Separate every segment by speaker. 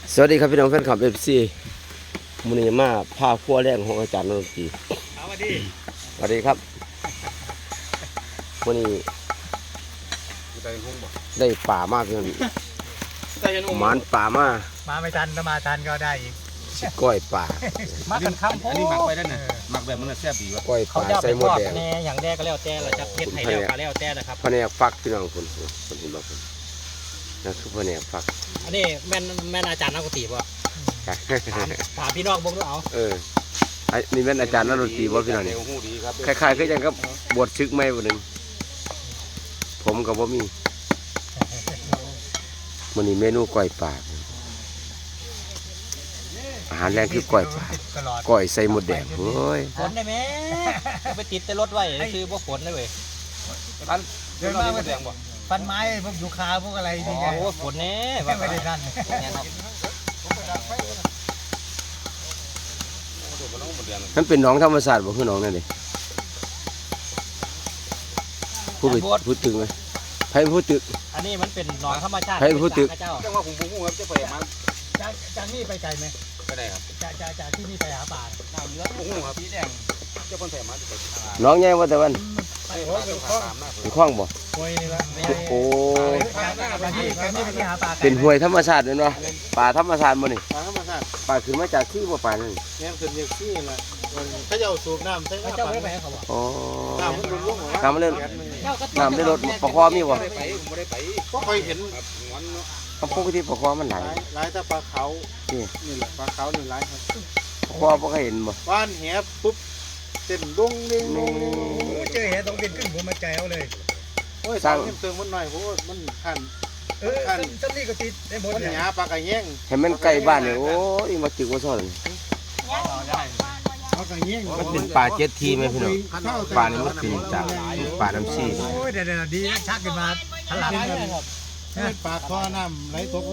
Speaker 1: สวัสดีครับพี่น้องแฟนคลับ FC มื้อนี้มาพาครัวแรงของอาจารย์นนทรี
Speaker 2: สวัสดี
Speaker 1: สวัสดีครับมื้อนี้ได้ป่ามากพี่น้องหมานป่ามา
Speaker 2: ไม่ทันถ้ามาทันก็ได้อีก
Speaker 1: ก้อยป่า
Speaker 2: มากันคำอันนี้หมักไปแล้วนะหมักแบบมันแซ่บดีว่ะ
Speaker 1: ก้อยป่าใส่หมดแดง
Speaker 2: แน่อย่างแรกก็แล้วแต่เราจะเพ็ดไทยแล้วก็แล้วแต่นะครับ
Speaker 1: แผนกฟักพี่น้องคนเห็นบ่คนนั่นคือแผนกฟัก
Speaker 2: อันนี้แม่นอาจารย์นักดนตรีป่ะถามพี่น้องบ้างด้วยเอา
Speaker 1: นี่แม่นอาจารย์นักดนตรีบ่พี่น้องนี่คล้ายๆคือจังกับบวชชึกใหม่บ่นึงผมก็บ่มีมื้อนี้เมนูก้อยป่าอาหารแรงคือก้อยป่าก้อยใส่หมดแดงเฮ้ย
Speaker 2: ฝนได้ไหมไปติดแต่รถไว้คือพวกฝนได้เว้ยเดินมาไม่แดงบ่ฟันไม้พวกยูคาพวกอะไรนี่ไงโอ้ฝนนี่ไม่ได้นั่น
Speaker 1: นั่นเป็นหนองธรรมศาสตร์บ่คือหนองนั่นดิพูดถึงไหมใครพูดถึง
Speaker 2: อันนี้มันเป็นหนองธรรมชาติ
Speaker 1: ใครพูดถึง
Speaker 2: จังว่าผมพูดครับจะไปมันจากนี่ไปไกลไหมไปได้ครับจากที่นี่ไปหาป่าน้ำเยอะผมครับพี่แดงเจ้าคนแถมมา
Speaker 1: หนองใหญ่ว่าแต่วันเป็นคลองบ่โอ้เป็นห้วยธรรมชาติเนาะป่าธรรมชาติบ่นี่ป่าขึ้นมาจากที่บ่ป่านั่น
Speaker 3: เนี่ยขึ้นจากที่แหละเขาจะเอาสูบน้ำใช่ไหม
Speaker 2: เจ้าไม่ไปเขาบอก
Speaker 1: อ๋อ
Speaker 3: น้ำมันรุ่ง
Speaker 1: น้ำมันเล่นน้ำได้รถปะคอมีบ่
Speaker 3: ก็เคยเห็น
Speaker 1: ปกติปะคอมันไหล
Speaker 3: หลายแต่ปลาเขานี่แหละปลาเขานี่หลายครับ
Speaker 1: ปะคอบ่เคยเห็นบ่
Speaker 3: บ้านแหบปุ๊บเต้นดุ้งดิ้ง
Speaker 2: เจอแหต้องเป็นขึ้นผมมาใจเอาเลย
Speaker 3: โอ้ยสร้างเติมมันหน่อยเพราะมันขัน
Speaker 2: ต้นนี้ก็ติดได้หมด
Speaker 3: มันหยาปลากระแยง
Speaker 1: เห็นมันใกล้บ้านเนี่ยโอ้ยมาจึกมาซ่อนมันเป็นป่าเจ็ดทีไหมพี่น้องป่านี่มันเป็นจากป่าน้ำซี
Speaker 2: โอ้ยเดี๋ยวดีชักขึ้นมาถลับ
Speaker 3: ปลาคอน้ำไหลตก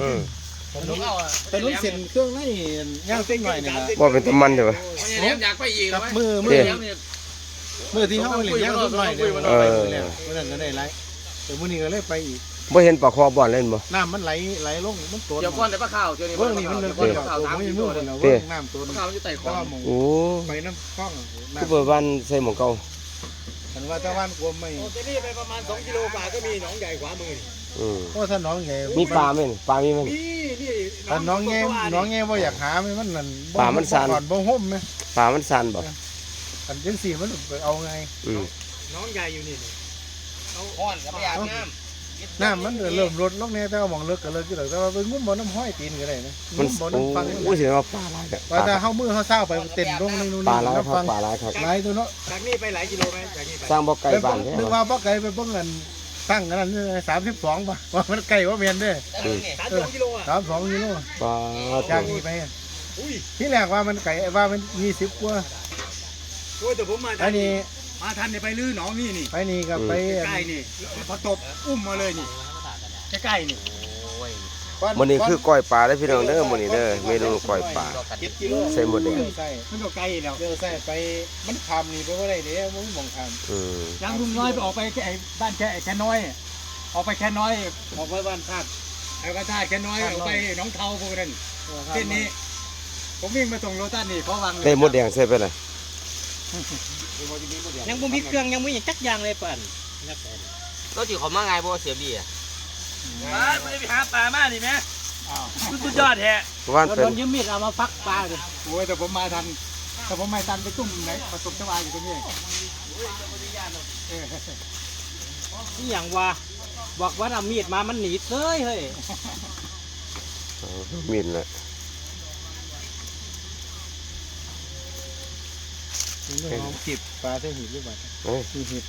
Speaker 3: เป็นรุ่นเส้นเครื่องนี่ย่างเส้นหน่อยนี่นะ
Speaker 1: ว่าเป็นตะมันใช่ปะ
Speaker 3: อยากไปอีกกับมือที่เขาเหลี่ยมย่างต้นหน่อยเนี่ยนั่นก็ได้ไรแต่มื้อนี้ก็เลยไปอีก
Speaker 1: บ่เห็นปลาคอบ่อนเล่นบ่
Speaker 3: น้ำมันไหลลงมันตัว
Speaker 2: เดี๋ยวก้อนแต่ปลาขาวเดี๋ยวนี้
Speaker 3: เบื้องนี้มันเลยก้อนขาวน้ำมันมืดแล้วเบื้องน้ำตัว
Speaker 2: ปลาขาวมันจะไต่คอ
Speaker 1: โอ้
Speaker 3: ไปน้ำคล้อง
Speaker 1: คือเปิดบ้านใส่หมองเก่า
Speaker 3: ฉันว่าถ้าบ้านกลมไม่
Speaker 2: ที่นี่ไปประมาณ2 กิโลกว่าก็มีหนองใหญ่ขวามือ
Speaker 3: เพราะถ้าน้องใหญ่
Speaker 1: มีปลาไหมปลามีไหม
Speaker 2: นี่
Speaker 3: ถ้าน้องแง่ว่าอยากหาไหมมันนั่น
Speaker 1: ปลามันสั่น
Speaker 3: บ่ห่มไหม
Speaker 1: ปลามันสั่นบ่
Speaker 3: อันจังสี่มันเอาไง
Speaker 2: น้องใหญ่อยู่นี่
Speaker 3: เอาอ่อนกับไปอาบน้ำมันเริ่มลดลงแน่แต่ว่ามองเลิกก็เลิกอยู่แต่ว่าไปงุ้มบ่อน้ำห้อยตีนก็ได้นะ
Speaker 1: งุ้มบ่อน้ำฟังอุ้ยเสียว่าปลาอะไรกัน
Speaker 3: ว่าแต่เข้ามือเขาเศร้าไปเต้นลงในนู่น
Speaker 1: ปลาอะไรครับปลาอะไรครับ
Speaker 3: หลายตัวเนาะ
Speaker 2: จากนี้ไปหลายกิโลไหมจากนี้ไป
Speaker 1: สร้างบ่อไก่บ้าน
Speaker 3: นึกว่าบ่อไก่ไปเบิ่งกันตั้งกันนั่น32ป่ะว่ามันไก่ว่าเมียนด้วย
Speaker 2: 32 กิโลอ่ะ
Speaker 3: 32 กิโล
Speaker 1: ปลา
Speaker 3: จากนี้ไปที่แรกว่ามันไก่ว่ามัน20 กว่า
Speaker 2: โอ้ยแต่ผมมาอันนี้มาทันเนี่ยไปลื้อหนองนี่
Speaker 3: ไปนี่กับไป
Speaker 2: ใกล้นี่พอตบอุ้มมาเลยนี่ใกล้นี่
Speaker 1: มื้อนี้คือก้อยปลาได้พี่น้องเด้อมื้อนี้เด้อเมนูก้อยปลาใส่หมดแดง
Speaker 2: มันก็ไกลแล้ว
Speaker 3: เดี๋ยวใส่ไปมันคำนี่ไปว่าไรเด้อมึงมองค
Speaker 1: ำ
Speaker 2: ยังลุงน้อยไปออกไปไอ้บ้านแค่น้อยออกไปแค่น้อย
Speaker 3: ออกไปบ้านธาตุ
Speaker 2: แล้วก็ธาตุแค่น้อยออกไปน้องเทาพวกนั้นเส้นนี้ผมวิ่งมาส่งโรตัสนี่เพราะวัง
Speaker 1: ได้หมดแดงใส่ไปเลย
Speaker 2: ยังบ่มีเครื่องยังบ่มีจักอย่างเลยป่าน
Speaker 4: ก็จีเขามาไงบ่เสียบีอ่ะ
Speaker 2: มันจะไปหาปลามาดิแม่สุดยอดแท้โดนยืมมีดเอามาฟักปลาเลยโอ้ยแต่ผมมาทันแต่ผมไม่ทันไปตุ้มไหนประสบชวาอยู่ตรงนี้นี่อย่างว่าบอกว่าเอามีดมามันหนีเซ้ยเฮ้ย
Speaker 1: มีดเลย
Speaker 3: จิบปลาได้หิบหรือเปล่าหิบ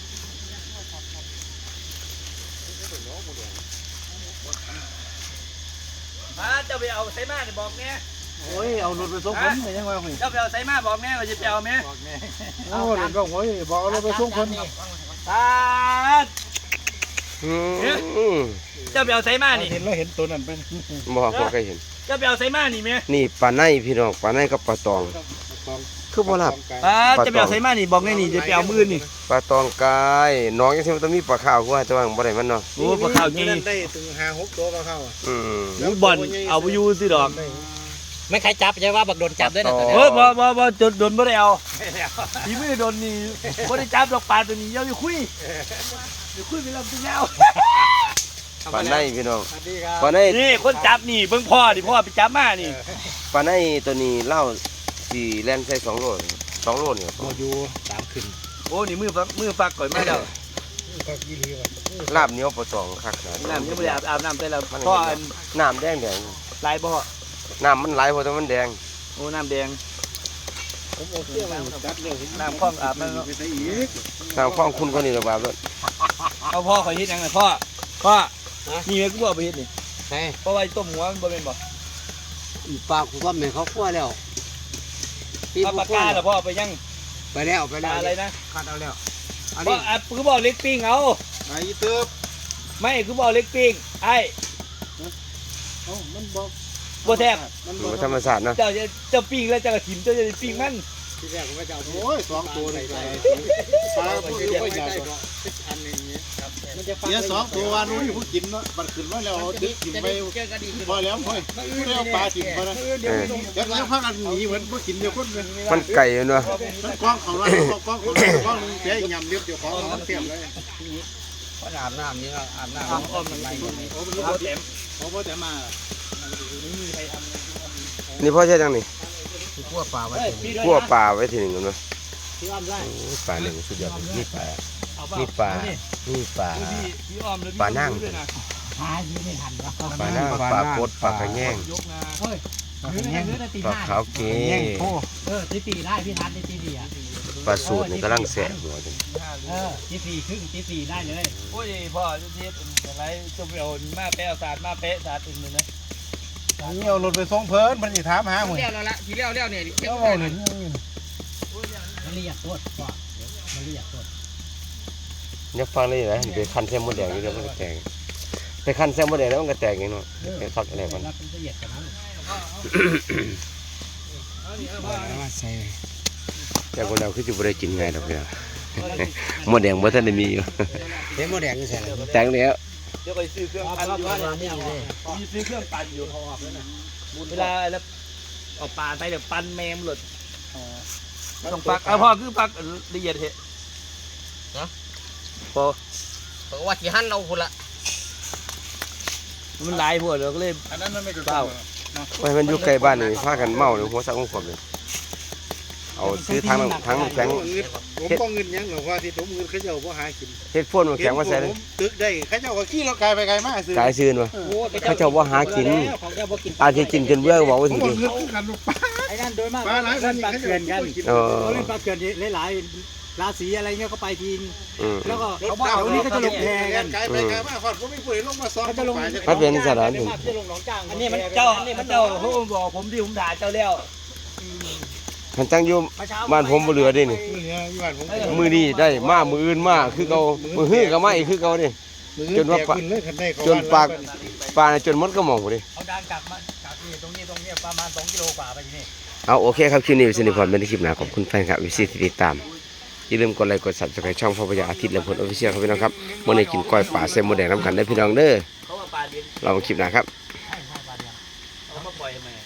Speaker 2: จะไปเอาไซมาเนี่ยบอกแน่
Speaker 3: โอ้ยเอารถไปส่งคนเลยยังไง
Speaker 2: จะไปเอาไซมาบอกแน่ว่าจะไปเอาไหม
Speaker 3: โอ้เดี๋ยวก็โอ้ยบอกเอารถไปส่งคน
Speaker 2: ตาจะไปเอาไซมานี่
Speaker 3: เห็นแล้วเห็นตัวนั้นเป็น
Speaker 1: บอกพอใครเห็น
Speaker 2: จะไปเอาไซมานี่ไหม
Speaker 1: นี่ปลาในพี่น้องปลาในกับปลาตองคือบ่หลับ
Speaker 2: จะไปเอาไซมานี่บอกแน่นี่จะไปเอามือนี่
Speaker 1: ปลาตองกายน้องยังสิมันต้องมีปลาข้าวกูว่าแต่ว่าบ่ได้มันเนาะ
Speaker 2: โอ้ปลาข้าวจี
Speaker 3: นั่นได้ถึง5-6ตัวปลาข้าว
Speaker 2: ลูกบอลเอาไปยูสิดอก
Speaker 4: ไม่ใครจับใช่ว่าบักโดนจับด้วยนะตัว
Speaker 2: เฮ้
Speaker 4: เนี้
Speaker 2: ยบ่จนโดนบ่ได้เอาทีไม่ได้โดนนี่บ่ได้จับดอกปลาตัวนี้อย่าคุยไปลำตัวแล้ว
Speaker 1: ปลาในพี่น้อง
Speaker 3: สวัสดีครับ
Speaker 1: ปลาใน
Speaker 2: นี่คนจับนี่เบิ่งพ่อดิพ่อไปจับมานี่
Speaker 1: ปลาในตัวนี้เล่าสี่แล่นใส่2 โล2 โลนี่ครับ
Speaker 3: บ่อยู่3ขึ้น
Speaker 2: โอ้นี่มือฟักก่อนมาแล้ว
Speaker 3: ก็ยี่ลีว่ะ
Speaker 1: ลาบเหนียวปลาตองคักนะ
Speaker 2: น้ำยังบ่ได้อาบน้ำแต่ละพ่ออัน
Speaker 1: น้ำแดง
Speaker 2: ลายบ่
Speaker 1: น้ำมันไหลเพราะแต่มันแดง
Speaker 2: โอ้น้ำแดง
Speaker 3: ผมเอาเสื้อมาจัดเลย
Speaker 2: น้ำคลองอาบมันเนาะ
Speaker 3: ไปใส่อีก
Speaker 1: น้ำคล้องคุณก็นี่ระบาดแล้ว
Speaker 2: เอาพ่อขอเฮ็ดยังไงพ่อนี่แม่กูบ่เอาไปเฮ็ดนี่
Speaker 4: ใช่
Speaker 2: เพราะว่าต้มหัวมันบ่เป็นบ่
Speaker 4: ปลาคุณพ่อแม่เขาคั่วแล้ว
Speaker 2: เอาปากกาแล้วพ่อเอาไปยัง
Speaker 4: ไปแล้ว
Speaker 2: ปลาอะไรนะ
Speaker 3: คัดเอาแล้ว
Speaker 4: อัน
Speaker 2: พ่อ
Speaker 4: นี้
Speaker 2: อ่ะคือบ่เอาเล็กปิ้งเอา
Speaker 3: ไอ้เติบ
Speaker 2: ไม่คือบ่เอาเล็กปิ้งไอ้
Speaker 3: มันบ่
Speaker 2: บ่แทบ
Speaker 3: มัน
Speaker 1: ดู
Speaker 3: บ่
Speaker 1: ธรรมศาสตร์เนาะ
Speaker 2: เจ้าปิ้งแล้วเจ้าก็ถิ่มเจ้าจะปิ้งมัน
Speaker 3: ที่แรกผมก็จะเอาโอ้ย2ตัวนี่ปลาผู้อยู่ก็ใหญ่กว่าอันนึงนี้มันจะเสีย2ตัวว่านู้นผู้กินเนาะมันขึ้นมาแล้วดึกกินไปพอแล้วพ่อยแล้วปลากินพอแล้วเดี๋ยวพักกันหนีเหมือนบ่กินเดียวคนเลย
Speaker 1: มันไก่อยู่เนาะ
Speaker 3: มันกล้องของเรากล้องของเรากล้องนึงเสียยำเรียบเดี๋ยวของมันเสียบเลย
Speaker 4: อาบน้ำนี่ก็อาบน้ำ
Speaker 2: อ้อมมันไม่โอ้มันบ่เต็ม
Speaker 3: เขาพอแต่มา
Speaker 1: นี่พ่อใช่จังนี่
Speaker 4: คั่วปลาไว้
Speaker 1: คั่วปลาไว้ทีหนึ่งกันเนาะ
Speaker 2: พี่อ้อมได้
Speaker 1: โอ้ยปลาหนึ่งสุดยอดเลยนี่ปลา
Speaker 2: เอา
Speaker 1: นี่ปลานี่ปลา
Speaker 2: พี่อ้อมแล้ว
Speaker 1: ปลานั่ง
Speaker 2: ด้วยนะ
Speaker 1: ปลาหน้าปลาโคตรปลากระแยง
Speaker 2: ยกนะ
Speaker 1: ปลาขาวเก
Speaker 5: ตีได้พี่ทัศน์ตีสี่อ่ะ
Speaker 1: ปลาสูตรนี่กำลังแสบหัวจัง
Speaker 5: ตีสี่ครึ่งตีสี่ได้เลย
Speaker 2: โอ้ยพ่อจะเทียบอะไรจะไปเอามาแปะเอาสาดมาแปะสาดอื่นเลยนะ
Speaker 3: นี่เอารถไปส่งเพิ่นมันสิถามหาหมื้อ
Speaker 4: เลี้ยวแล้วละทีเลี้ยวเนี่ย
Speaker 3: เอาเอาเลย
Speaker 5: มันเรียกโทษก่อนมันเรียกโทษ
Speaker 1: เนี่ยฟังได้ไหมไปคั้นแซมมดแดงนี่เดี๋ยวมันก็แตกไปคั้นแซมมดแดงแล้วมันก็แตกอย่างเนาะไปฟักอะไรมัน
Speaker 5: แล้วมันละเอียดกันนั้น
Speaker 1: แต่คนเราคือจะบ่ได้กินไงดอกเนี่ยมดแดงบ่ทันได้มีอยู่
Speaker 4: เห็นโมแดงนี่ใส่แล้ว
Speaker 1: แตงแล้ว
Speaker 2: เดี๋ยวไปซื้อเครื่องปั่นอยู่มีซื้อเครื่องปั่นอยู่เวลาแล้วเอาปลาไปเดี๋ยวปั่นแมมหลุดต้องปักเอาพ่อคือปักละเอียดเหรอพอ
Speaker 4: บอกว่าที่หั่นเราคนละ
Speaker 2: มันหลายพวกเราก็เลย
Speaker 3: อันนั้นมันไม่ถูก
Speaker 2: เปล่า
Speaker 1: ไว้มันอยู่ใกล้บ้านนี่พากันเมาเลยหัวสักหัวขวบเลยเอาซื้อทั้งน้ำแข็ง
Speaker 3: ผมก็เงินยังหรอกว่าที่ผมเงินเขาเจ้าบ่หากิน
Speaker 1: เฮ็ดพ่นน้ำแข็งมาใส่เลย
Speaker 3: ตึกได้เขาเจ้าก็ขี่รถไกลไปไกลมาซื้อก
Speaker 1: ายซื้อวะเขาเจ้าว่าหากินอาจจะกินจนเบื่อบอกว่า
Speaker 3: ผม
Speaker 1: สิ
Speaker 3: ก็
Speaker 1: ดิ
Speaker 3: เงินคือกันลูกปลา
Speaker 5: ไอ้นั่นโดยมาก
Speaker 3: ปลาหลายคนนี่เขาเจ้าบ่กิน
Speaker 1: เออ
Speaker 5: เขาเล่นปลาเกินหลายราศีอะไรเงี้ยเขาไปทีน
Speaker 1: อืม
Speaker 5: แล้วก็
Speaker 3: รถ
Speaker 5: เขาบอก
Speaker 3: เก่า
Speaker 5: วันนี้ก็จะลงแพกัน
Speaker 3: ไกลไปไกลมาฮอดผมไม่พูดลงมาซ้อม
Speaker 5: เขาจะลง
Speaker 1: มันเป็นสถานที่
Speaker 5: จะลงหนองจ้าง
Speaker 2: อันนี้มันเจ้าเขาบอกผมที่ผมถ่ายเจ้าแล้ว
Speaker 1: มันตั้งอยู่บ้านผมบ่เหลือเดินี่
Speaker 3: เนี่ยอยู่บ้านผม
Speaker 1: มือนี้ได้มามืออื่นมาคือเก่ามือฮื้อก็มาอีกคือเก่านี่จนว่าปลาจนปากปลาจนมันก็มองบ่ดิ
Speaker 5: เอาดังกลับมาจากนี่ตรงนี้ประมาณ2 กิโลกว่าไปที่นี่
Speaker 1: เอาโอเคครับคลิปนี้วิศนุพรเป็นคลิปหน้าขอบคุณแฟนคลับวิสิตที่ติดตามอย่าลืมกดไลค์กด Subscribe ช่องพ่อพญาอาทิตย์และผลออฟฟิเชียลครับพี่น้องครับมื้อนี้กินก้อยปลาแซลมอนแดงน้ำกันได้พี่น้องเด้อ
Speaker 2: เขาว่าปลาเลี้ยง
Speaker 1: เรามาคลิปหน้าครับ
Speaker 2: เ